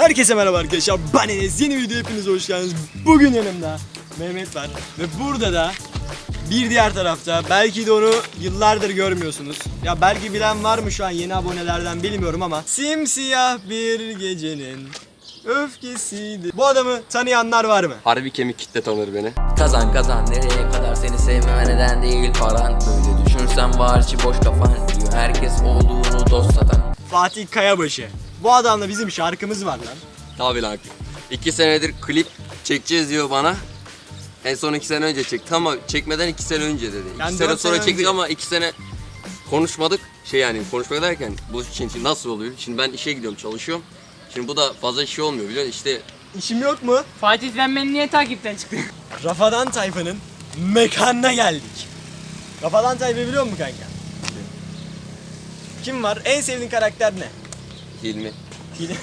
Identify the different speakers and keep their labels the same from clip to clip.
Speaker 1: Herkese merhaba arkadaşlar, ben Enes. Yeni videoya hepiniz hoş geldiniz. Bugün yanımda Mehmet var ve burada da bir diğer tarafta, belki de onu yıllardır görmüyorsunuz. Ya belki bilen var mı şu an yeni abonelerden bilmiyorum ama simsiyah bir gecenin öfkesiydi. Bu adamı tanıyanlar var mı?
Speaker 2: Harbi kemik kitle tanır beni.
Speaker 3: Kazan kazan nereye kadar seni sevmeme neden değil paran. Böyle düşünsen var içi boş kafan diyor herkes olduğunu dost satan.
Speaker 1: Fatih Kayabaşı. Bu adamla bizim şarkımız var lan.
Speaker 2: Tabi lan. 2 senedir klip çekeceğiz diyor bana. En son 2 sene önce çekti ama çekmeden 2 sene önce dedi. 2
Speaker 1: Yani
Speaker 2: sene
Speaker 1: 4
Speaker 2: sonra
Speaker 1: sene
Speaker 2: çektik
Speaker 1: önce.
Speaker 2: ama 2 sene konuşmadık. Konuşmak derken bu için nasıl oluyor? Şimdi ben işe gidiyorum, çalışıyorum. Şimdi bu da fazla şey olmuyor biliyor musun? İşte
Speaker 1: İşim yok mu?
Speaker 4: Fatih sen beni niye takipten çıktın?
Speaker 1: Rafadan Tayfa'nın mekanına geldik. Rafadan Tayfa'yı biliyor musun kanka? Kim var? En sevdiğin karakter ne?
Speaker 2: Hilmi.
Speaker 1: Hilmi.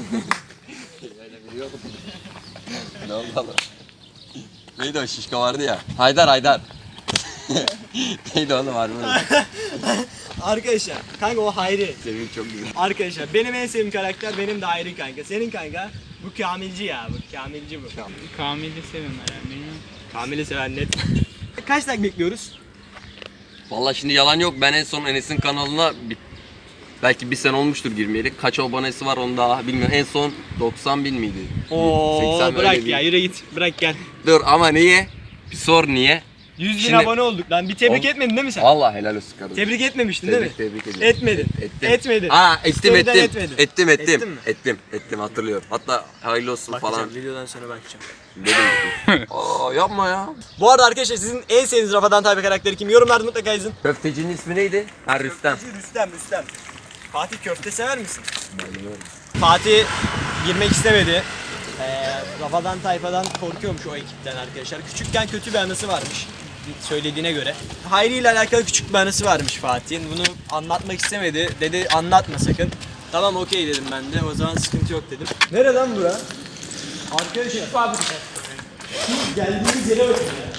Speaker 2: Ne oldu lan? Neydi o şişko vardı ya? Haydar. Neydi oğlum var mı?
Speaker 1: Arkadaşlar, kanka o Hayri.
Speaker 2: Senin çok güzel.
Speaker 1: Arkadaşlar benim en sevdiğim karakter benim de Hayri kanka. Senin kanka bu Kamilci ya, bu Kamilci bu.
Speaker 4: Kamil'i seviyorum herhalde bilmiyorum.
Speaker 1: Kamil'i seven net. Kaç like bekliyoruz?
Speaker 2: Vallahi şimdi yalan yok. Ben en son Enes'in kanalına belki bir sene olmuştur girmeyeli. Kaç abonesi var onu daha bilmiyorum. En son 90 bin miydi?
Speaker 1: Oo
Speaker 2: 80
Speaker 1: bırak
Speaker 2: öyle
Speaker 1: ya,
Speaker 2: bir-
Speaker 1: yürü git. Bırak gel.
Speaker 2: Dur ama niye? Bir sor niye?
Speaker 1: 100 bin
Speaker 2: Şimdi-
Speaker 1: abone olduk lan. Bir tebrik
Speaker 2: Ol-
Speaker 1: etmedin değil mi sen?
Speaker 2: Vallahi helal olsun kardeşim.
Speaker 1: Tebrik etmemiştin değil mi?
Speaker 2: Tebrik ediyorum.
Speaker 1: Etmedin. Etmedin.
Speaker 2: Aa ettim.
Speaker 1: Story'den etmedin.
Speaker 2: Ettim.
Speaker 1: Ettin mi?
Speaker 2: Ettim hatırlıyorum. Hatta hayırlı olsun
Speaker 1: Bakacağım,
Speaker 2: falan
Speaker 1: videodan sonra bakacağım.
Speaker 2: dedim. Aa yapma ya.
Speaker 1: Bu arada arkadaşlar sizin en sevdiğiniz Rafadan Tayfa karakteri kim? Yorumlarda mutlaka yazın.
Speaker 2: Köftecinin ismi neydi? Ha Rüstem.
Speaker 1: Rüstem. Fatih köfte sever misin? Fatih girmek istemedi. Rafadan Tayfa'dan korkuyormuş o ekipten arkadaşlar. Küçükken kötü bir anısı varmış söylediğine göre. Hayri ile alakalı küçük bir anısı varmış Fatih'in. Bunu anlatmak istemedi. Dedi anlatma sakın. Tamam okey dedim ben de. O zaman sıkıntı yok dedim. Nere lan bura? Arkadaşlar.
Speaker 4: Fabrika.
Speaker 1: Şu geldiğimiz yere bakın ya.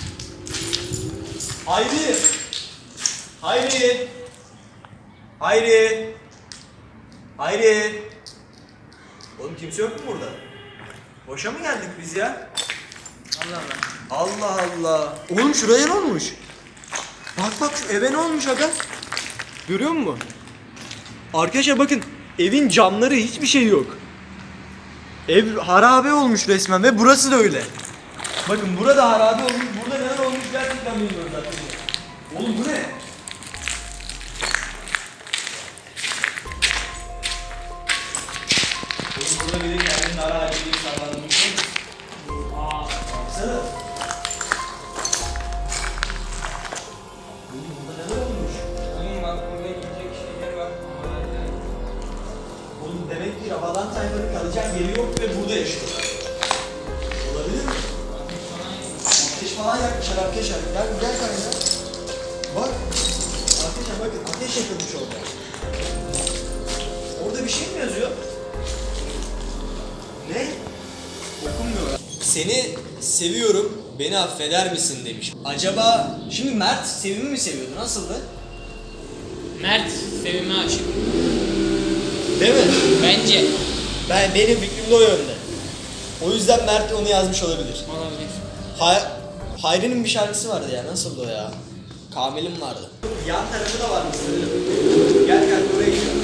Speaker 1: Hayri! Hayri! Hayri! Hayri! Oğlum kimse yok mu burada? Boşa mı geldik biz ya? Allah Allah. Oğlum şuraya ne olmuş? Bak şu eve ne olmuş aga? Görüyor musun? Arkadaşlar bakın evin camları hiçbir şey yok. Ev harabe olmuş resmen ve burası da öyle. Bakın burada harabe olmuş, burada neler olmuş gerçekten bilmiyorum zaten. Oğlum bu ne? Oğlum burada biri kendini harabe edip sallandırmış değil mi? Baksana. Oğlum burada neler olmuş?
Speaker 4: Oğlum bak burada yiyecek şeyler var.
Speaker 1: Oğlum demek ki Rafadan Tayfa'nın kalacak yeri yok ve burada yaşıyorlar. Olabilir mi? Ateş falan yakmışlar arkadaşlar. Gel kanka. Bak. Arkadaşlar bakın ateş yakılmış orada. Orada bir şey mi yazıyor? Ne? Okunmuyor. Seni seviyorum, beni affeder misin demiş. Acaba şimdi Mert Sevim'i mi seviyordu? Nasıldı?
Speaker 4: Mert Sevim'e aşık.
Speaker 1: Değil mi?
Speaker 4: Bence.
Speaker 1: Benim fikrim de o yönde. O yüzden Mert onu yazmış olabilir.
Speaker 4: Olabilir.
Speaker 1: Hayri'nin bir şarkısı vardı ya, nasıldı o ya? Kamil'in vardı. Yan tarafı da varmış sanırım. Gel oraya gidelim.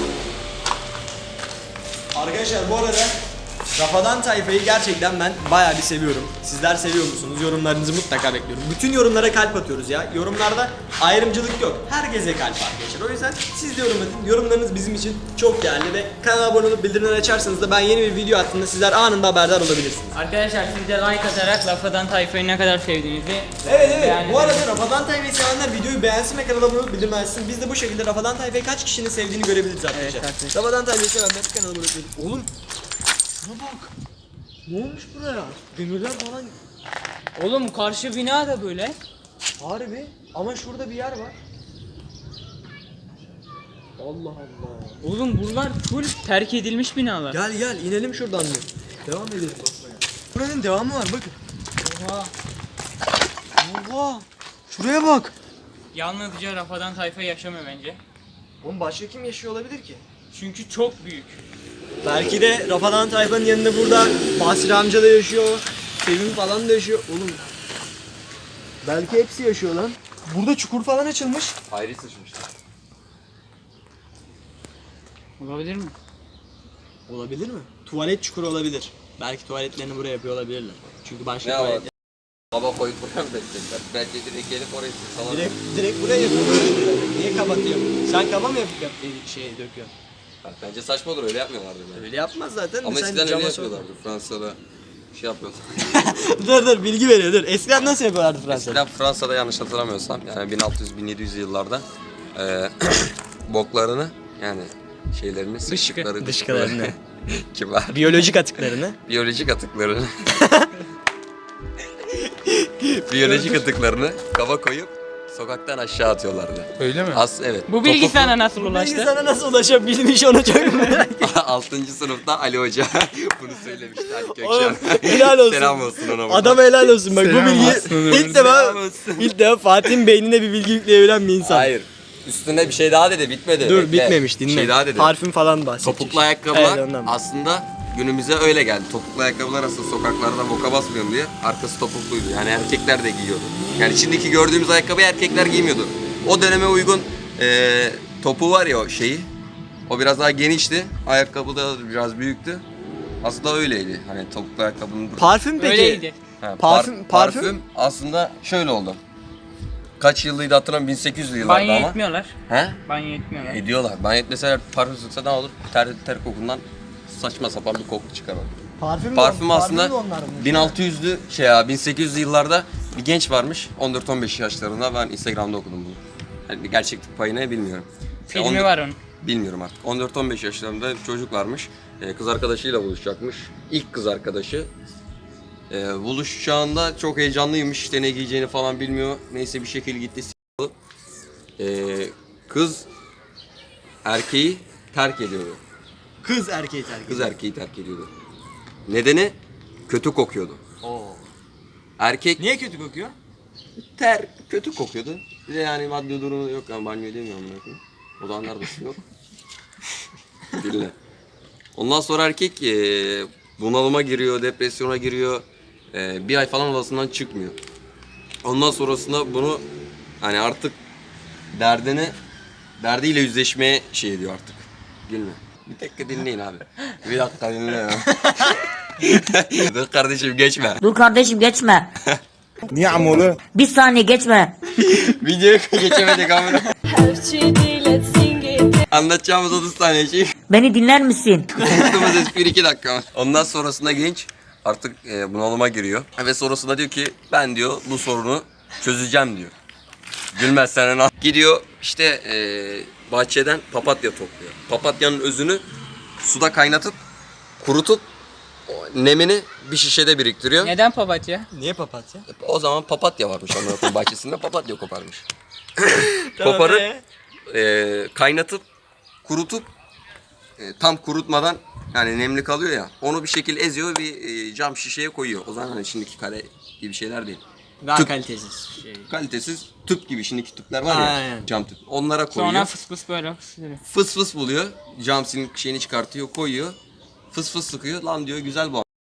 Speaker 1: Arkadaşlar bu arada Rafadan Tayfa'yı gerçekten ben bayağı bir seviyorum. Sizler seviyor musunuz? Yorumlarınızı mutlaka bekliyorum. Bütün yorumlara kalp atıyoruz ya. Yorumlarda ayrımcılık yok. Herkese kalp arkadaşlar. O yüzden siz de yorum atın. Yorumlarınız bizim için çok değerli ve kanala abone olup bildirimleri açarsanız da ben yeni bir video attığımda sizler anında haberdar olabilirsiniz.
Speaker 4: Arkadaşlar siz de like atarak Rafadan Tayfa'yı ne kadar sevdiğinizi
Speaker 1: Evet.
Speaker 4: Yani-
Speaker 1: Bu arada Rafadan Tayfa'yı sevenler videoyu beğensin ve kanala abone olup bildirim açsın. Biz de bu şekilde Rafadan Tayfa'yı kaç kişinin sevdiğini görebiliriz arkadaşlar.
Speaker 4: Evet, arkadaşlar.
Speaker 1: Rafadan Tayfa'yı sevenler kanala abone olup oğlum şuna bak. Ne olmuş buraya? Demirler falan
Speaker 4: Oğlum karşı bina da böyle.
Speaker 1: harbi ama şurada bir yer var. Allah Allah.
Speaker 4: Oğlum buralar full terk edilmiş binalar.
Speaker 1: Gel inelim şuradan bir. Devam edelim basmaya. Buranın devamı var bakın.
Speaker 4: Oha.
Speaker 1: Oha. Şuraya bak.
Speaker 4: Yalnızca Rafadan Tayfa yaşamıyor bence.
Speaker 1: Oğlum başka kim yaşıyor olabilir ki?
Speaker 4: Çünkü çok büyük.
Speaker 1: Belki de Rafadan Tayfa'nın yanında burada Basri amca da yaşıyor. Sevim falan da yaşıyor. Oğlum belki hepsi yaşıyor lan. Burada çukur falan açılmış.
Speaker 2: Hayri sıçmıştı.
Speaker 4: Olabilir mi?
Speaker 1: Olabilir mi? Tuvalet çukuru olabilir. Belki tuvaletlerini buraya yapıyor olabilirler. Çünkü başka
Speaker 2: Ne
Speaker 1: tuvalet
Speaker 2: var? Baba koyup buraya mı beklediler? Belki direkt gelip oraya sıçsalar.
Speaker 1: direkt buraya yapıyor böyle şeyleri. Niye kapatıyor? Sen kaba mı döküyorsun?
Speaker 2: Bence saçma olur, öyle yapmıyorlardı bence.
Speaker 1: Öyle yapmaz zaten.
Speaker 2: Ama
Speaker 1: Sen
Speaker 2: eskiden öyle
Speaker 1: cama
Speaker 2: yapıyorlardı. Fransa'da şey yapıyorlar.
Speaker 1: dur bilgi veriyor dur. Eskiden nasıl yapıyorlardı Fransa'da?
Speaker 2: Eskiden Fransa'da yanlış hatırlamıyorsam yani 1600-1700 yıllarda boklarını yani şeylerini, sıçtıkları
Speaker 1: dışkılarını.
Speaker 2: kibar.
Speaker 1: Biyolojik atıklarını.
Speaker 2: Biyolojik atıklarını biyolojik atıklarını kaba koyup sokaktan aşağı atıyorlardı.
Speaker 5: Öyle mi?
Speaker 2: Evet.
Speaker 4: Bu bilgi sana nasıl ulaştı?
Speaker 1: Bilgi sana nasıl ulaşabilmiş onu çok merak ediyorum.
Speaker 2: 6. sınıfta Ali Hoca bunu söylemişti, Ali
Speaker 1: Oğlum,
Speaker 2: Kökşen.
Speaker 1: helal olsun.
Speaker 2: Selam olsun ona. buradan.
Speaker 1: Adam helal olsun bak
Speaker 5: Selam
Speaker 1: bu bilgi
Speaker 5: olsun.
Speaker 1: ilk defa Fatih'in beynine bir bilgi yükleyebilen bir insan.
Speaker 2: Hayır. Üstüne bir şey daha dedi, bitmedi.
Speaker 1: Dur
Speaker 2: Bekle.
Speaker 1: bitmemiş
Speaker 2: Bir
Speaker 1: dinle.
Speaker 2: şey daha dedi.
Speaker 1: Parfüm falan bahsedecek.
Speaker 2: Topuklu ayakkabılar
Speaker 1: Evet, ondan.
Speaker 2: aslında günümüze öyle geldi. Topuklu ayakkabılar aslında sokaklarda boka basmıyorum diye arkası topukluydu. Yani erkekler de giyiyordu. Yani şimdiki gördüğümüz ayakkabıyı erkekler giymiyordu. O döneme uygun topuğu var ya o şeyi. O biraz daha genişti. Ayakkabı da biraz büyüktü. Aslında öyleydi. Hani topuklu ayakkabının...
Speaker 1: Parfüm peki.
Speaker 4: Öyleydi.
Speaker 2: Ha,
Speaker 1: Parfüm-
Speaker 2: parfüm aslında şöyle oldu. Kaç yıllıydı hatırlamıyorum, 1800'lü yıllarda
Speaker 4: Banyo
Speaker 2: ama.
Speaker 4: etmiyorlar.
Speaker 2: He?
Speaker 4: Banyo etmiyorlar.
Speaker 2: Ediyorlar. Ben etmeseler parfüm sıksa ne olur? Ter kokundan saçma sapan bir koku çıkar orada. Parfüm aslında 1600'lü 1800'lü yıllarda bir genç varmış. 14-15 yaşlarında, ben Instagram'da okudum bunu. Yani gerçeklik payı ne bilmiyorum.
Speaker 4: Filmi var onun.
Speaker 2: Bilmiyorum artık. 14-15 yaşlarında bir çocuk varmış. Kız arkadaşıyla buluşacakmış. İlk kız arkadaşı. Buluşacağında çok heyecanlıymış. İşte ne giyeceğini falan bilmiyor. Neyse bir şekilde gitti. Kız erkeği terk ediyordu.
Speaker 1: Kız erkeği terk
Speaker 2: Kız erkeği terk ediyordu. Nedeni kötü kokuyordu. Erkek
Speaker 1: Niye kötü kokuyor?
Speaker 2: kötü kokuyordu. Bir de yani maddi durumu da yok, yani banyo edemiyorum ben. O zamanlar da su yok. Dinle. Ondan sonra erkek bunalıma giriyor, depresyona giriyor. Bir ay falan odasından çıkmıyor. Ondan sonrasında bunu hani artık derdiyle yüzleşmeye şey ediyor artık. Gülme. Bir dakika dinleyin abi. Bir dakika dinle ya. Dur kardeşim geçme.
Speaker 6: Dur kardeşim geçme.
Speaker 5: Niye amolu?
Speaker 6: Bir saniye geçme.
Speaker 2: Videoya geçemedik ama.
Speaker 7: let's sing it.
Speaker 2: Anlatacağımız 30 tane şey.
Speaker 6: Beni dinler misin?
Speaker 2: Konuştuğumuz espri 2 dakika. Ondan sonrasında genç artık bunalıma giriyor. Ve sonrasında diyor ki ben diyor bu sorunu çözeceğim diyor. Gülmezsen ne? Gidiyor işte bahçeden papatya topluyor. Papatyanın özünü suda kaynatıp kurutup nemini bir şişede biriktiriyor.
Speaker 4: Neden papatya?
Speaker 1: Niye papatya?
Speaker 2: O zaman papatya varmış onların bahçesinde, papatya koparmış. Koparıp kaynatıp kurutup tam kurutmadan yani nemli kalıyor ya, onu bir şekilde eziyor, bir cam şişeye koyuyor. O zaman hani şimdiki kare gibi şeyler değil.
Speaker 1: Daha
Speaker 2: Tüp.
Speaker 1: kalitesiz şey.
Speaker 2: Kalitesiz tüp gibi, şimdiki tüpler var ya,
Speaker 1: Aynen.
Speaker 2: cam tüp. Onlara koyuyor.
Speaker 4: Sonra fıs fıs böyle fıslıyor.
Speaker 2: Fıs fıs buluyor. Cam silin şeyini çıkartıyor, koyuyor. Fıs fıs sıkıyor. Lan diyor güzel bu.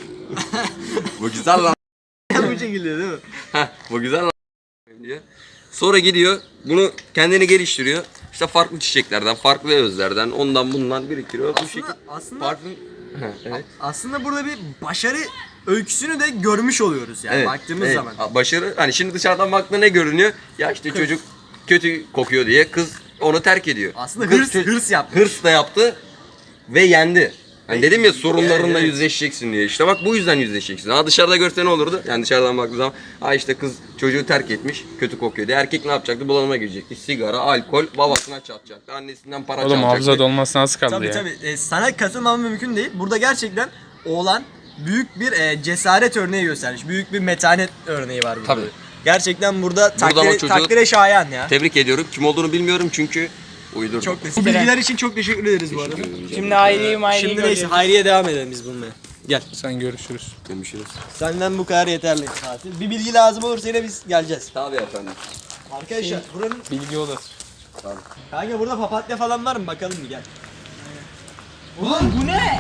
Speaker 2: Bu güzel lan.
Speaker 1: Bu şekilde değil mi?
Speaker 2: Heh, bu güzel lan diyor. Sonra gidiyor bunu kendini geliştiriyor. İşte farklı çiçeklerden, farklı özlerden, ondan bundan biriktiriyor. Bu şekilde
Speaker 1: aslında
Speaker 2: parfüm. Evet.
Speaker 1: aslında burada bir başarı öyküsünü de görmüş oluyoruz yani
Speaker 2: Evet,
Speaker 1: baktığımız
Speaker 2: evet.
Speaker 1: zaman.
Speaker 2: Başarı hani şimdi dışarıdan baktığında ne görünüyor? Ya işte çocuk kötü kokuyor diye kız onu terk ediyor.
Speaker 1: Aslında
Speaker 2: Kız
Speaker 1: hırs yaptı.
Speaker 2: Hırs da yaptı ve yendi. Hani dedim ya sorunlarınla
Speaker 1: evet.
Speaker 2: yüzleşeceksin diye. İşte bak bu yüzden yüzleşeceksin. Ha dışarıda görse ne olurdu? Yani dışarıdan baktığı zaman ha işte kız çocuğu terk etmiş, kötü kokuyor diye. Erkek ne yapacaktı? Bunalıma girecekti. Sigara, alkol, babasına çatacaktı. Annesinden para
Speaker 5: Oğlum
Speaker 2: çalacaktı.
Speaker 5: hafıza dolması nasıl kaldı
Speaker 1: Tabii
Speaker 5: ya?
Speaker 1: tabii. Sana katılmam mümkün değil. Burada gerçekten oğlan büyük bir cesaret örneği göstermiş. Büyük bir metanet örneği var burada.
Speaker 2: Tabii.
Speaker 1: Gerçekten burada
Speaker 2: Buradan o
Speaker 1: takdire,
Speaker 2: çocuğu-
Speaker 1: takdire şayan ya.
Speaker 2: Tebrik ediyorum. Kim olduğunu bilmiyorum çünkü uydurdum.
Speaker 1: Çok Bu bilgiler için çok teşekkür ederiz bu arada.
Speaker 4: Şimdi aileyi
Speaker 1: Şimdi neyse Hayri'ye devam edelim biz bulmaya. Gel.
Speaker 5: Sen görüşürüz.
Speaker 2: Görüşürüz.
Speaker 1: Senden bu kadar yeterli tatil. Bir bilgi lazım olursa yine biz geleceğiz.
Speaker 2: Tabii efendim.
Speaker 1: Arkadaşlar buranın
Speaker 5: Bilgi odası.
Speaker 1: kanka burada papatya falan var mı? Bakalım bir gel.
Speaker 4: Oğlum bu ne?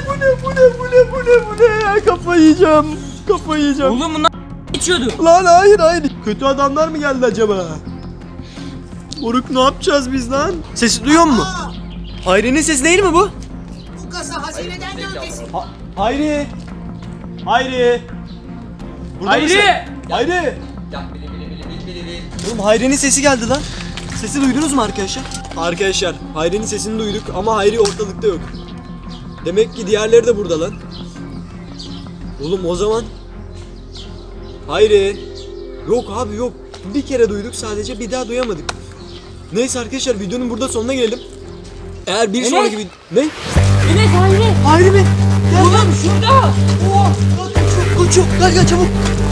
Speaker 1: Bu ne? Kafayı yiyeceğim.
Speaker 4: Oğlum bunlar içiyordu.
Speaker 1: Lan hayır. Kötü adamlar mı geldi acaba? Moruk ne yapacağız biz lan? Sesi duyuyor musun? Hayri'nin sesi değil mi bu?
Speaker 8: Bu kasa hazineden gölgesi.
Speaker 1: Hayri. Burada
Speaker 4: Hayri!
Speaker 1: mısın? Hayri. Oğlum Hayri'nin sesi geldi lan. Sesi duydunuz mu arkadaşlar? Arkadaşlar Hayri'nin sesini duyduk ama Hayri ortalıkta yok. Demek ki diğerleri de burada lan. Oğlum o zaman Hayri. Yok abi yok. Bir kere duyduk sadece, bir daha duyamadık. Neyse arkadaşlar videonun burada sonuna gelelim. Eğer bir sonraki video... Ne?
Speaker 4: Enes Hayri.
Speaker 1: Hayri mi? Gel.
Speaker 4: Oğlum şurada.
Speaker 1: Oh, kaçıyor. Gel çabuk.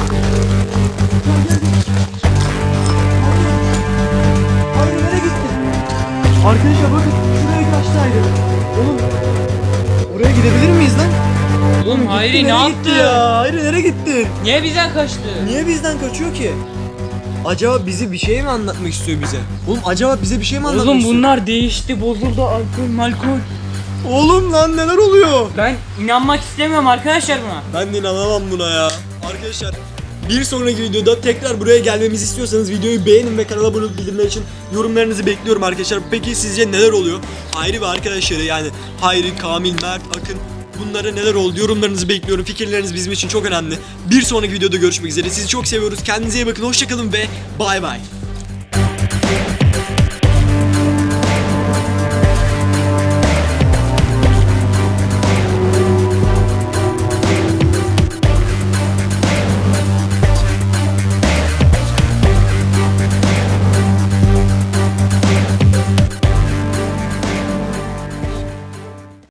Speaker 1: Hayri nereye gitti? Arkadaşlar bakın şuraya kaçtı Hayri. Oğlum oraya gidebilir miyiz lan?
Speaker 4: Oğlum Hayri ne
Speaker 1: Nereye
Speaker 4: yaptı?
Speaker 1: gitti ya? Hayri nereye gitti?
Speaker 4: Niye bizden kaçtı?
Speaker 1: Niye bizden kaçıyor ki? Acaba bizi bir şey mi anlatmak istiyor bize? Oğlum acaba bize bir şey mi anlatmak
Speaker 4: Oğlum
Speaker 1: istiyor?
Speaker 4: bunlar değişti, bozuldu, alkol.
Speaker 1: Oğlum lan neler oluyor?
Speaker 4: Ben inanmak istemiyorum arkadaşlar buna.
Speaker 1: Ben de inanamam buna ya. Arkadaşlar bir sonraki videoda tekrar buraya gelmemizi istiyorsanız videoyu beğenin ve kanala abone olup bildirimler için yorumlarınızı bekliyorum arkadaşlar. Peki sizce neler oluyor? Hayri ve arkadaşları yani Hayri, Kamil, Mert, Akın, bunlara neler oldu? Yorumlarınızı bekliyorum. Fikirleriniz bizim için çok önemli. Bir sonraki videoda görüşmek üzere. Sizi çok seviyoruz. Kendinize iyi bakın. Hoşçakalın ve bay bay.